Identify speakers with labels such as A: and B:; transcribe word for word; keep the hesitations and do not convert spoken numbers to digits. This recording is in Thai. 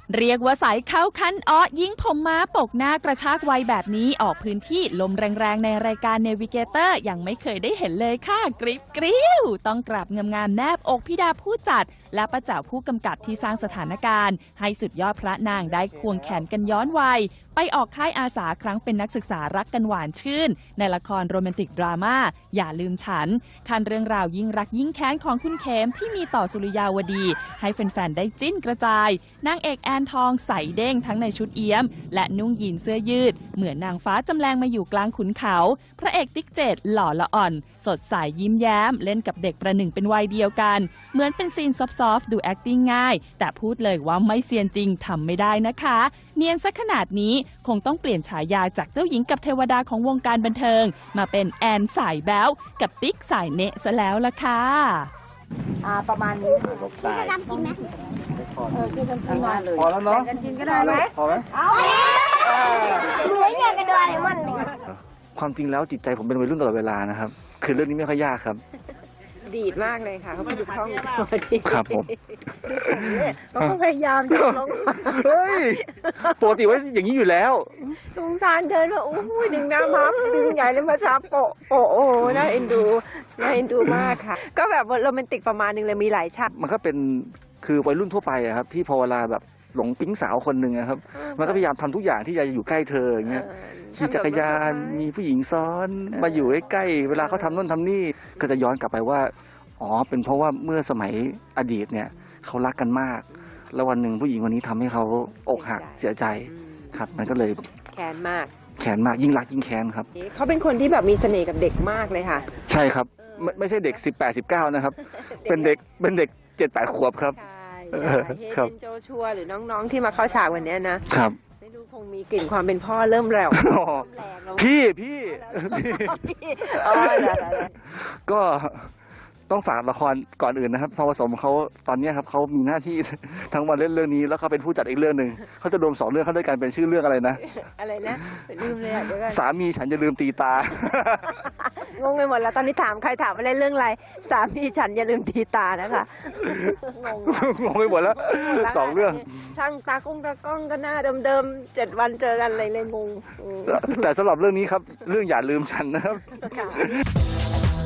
A: เรียกว่าสายเข้าคันอ้อยิงผมม้าปกหน้ากระชากวัยแบบนี้ออกพื้นที่ลมแรงๆในรายการเนวิเกเตอร์ยังไม่เคยได้เห็นเลยค่ะกริบกริ้วต้องกราบงามๆแนบอกพี่ดาผู้จัดและป้าแจ๋วผู้กำกับที่สร้างสถานการณ์ให้สุดยอดพระนางได้ควงแขนกันย้อนวัยไปออกค่ายอาสาครั้งเป็นนักศึกษารักกันหวานชื่นในละครโรแมนติกดราม่าอย่าลืมฉันคันเรื่องราวยิ่งรักยิ่งแค้นของคุณเขมที่มีต่อสุริยาวดีให้แฟนๆได้จิ้นกระจายนางเอกแอนทองใส่เด้งทั้งในชุดเอี้ยมและนุ่งยีนเสื้อยืดเหมือนนางฟ้าจำแรงมาอยู่กลางขุนเขาพระเอกติ๊กเจดหล่อละอ่อนสดใสยิ้มแย้มเล่นกับเด็กประหนึ่งเป็นวัยเดียวกันเหมือนเป็นซีนซอฟต์ๆดู acting ง่ายแต่พูดเลยว่าไม่เซียนจริงทำไม่ได้นะคะเนียนซะขนาดนี้คงต้องเปลี่ยนฉายาจากเจ้าหญิงกับเทวดาของวงการบันเทิงมาเป็นแอนสายแบ๊วกับติ๊กสายเนะซะแล้วล่ะค่ะ
B: อ่าประมาณนี้พี่จะดำกินไหมเออคือกันกินมาเลยพอแล้วเนาะกันกินก็ได้ไหมพอไหมเอาเหมือนอย่างกันด้วยมัน
C: ความจริงแล้วจิตใจผมเป็นวัยรุ่นตลอดเวลานะครับคือเรื่องนี้ไม่ค่อยยากครับ
D: ดีดมากเลยค่ะเขาพูดคล่อง
C: ครับผม
D: เขาพยายามจะลง
C: เฮ้ยปกติว่าอย่างนี้อยู่แล้ว
D: สงสารเดินว่าโอ้ยดึงน้ำพับดึงใหญ่เลยมาช้าโปะโปะโอ้น่าเอ็นดูน่าเอ็นดูมากค่ะก็แบบโรแมนติกประมาณนึงเลยมีหลายฉาก
C: มันก็เป็นคือวัยรุ่นทั่วไปอะครับที่พอเวลาแบบหลงปิ๊งสาวคนหนึ่งครับมันก็พยายามทำทุกอย่างที่จะอยู่ใกล้เธออย่างเงี้ยขี่จักรยานมีผู้หญิงซ้อนมาอยู่ใกล้ๆเวลาเขาทำนู่นทำนี่ก็จะย้อนกลับไปว่าอ๋อเป็นเพราะว่าเมื่อสมัยอดีตเนี่ยเขารักกันมากแล้ววันหนึ่งผู้หญิงคนนี้ทำให้เขาอกหักเสียใจครับมันก็เลย
D: แค้นมาก
C: แค้นมากยิ่งรักยิ่งแค้นครับ
D: เขาเป็นคนที่แบบมีเสน่ห์กับเด็กมากเลยค่ะ
C: ใช่ครับไม่ไม่ใช่เด็กสิบแปดสิบเก้านะครับเป็นเด็กเป็นเด็กเจ็ดแปดขวบครับ
D: เฮเดนโจชัวหรือน้องๆที่มาเข้าฉากวันนี้นะครับไม่รู้คงมีกลิ่นความเป็นพ่อเริ่มแรง
C: พี่พี่ก็ต้องฝากละครก่อนอื่นนะครับทองผสมเขาตอนนี้ครับเขามีหน้าที่ทั้งวันเล่นเรื่องนี้แล้วเขาเป็นผู้จัดอีกเรื่องหนึ่งเขาจะรวมสองเรื่องเข้าด้วยกันเป็นชื่อเรื่องอะไรนะ
D: อะไรนะลืมเลยอ่ะเดี๋ยวกัน
C: สามีฉันอย่าลืมตีตา
D: งงไปหมดแล้วตอนนี้ถามใครถามว่าเล่นเรื่องอะไรสามีฉันอย่าลืมตีตานะคะงง
C: งงไปหมดแล้วสองเรื่อง
D: ช่างตากุ้งตากล้องก็หน้าเดิมๆเจ็ดวันเจอกันอะไรเลยงง
C: แต่สำหรับเรื่องนี้ครับเรื่องอย่าลืมฉันนะครับ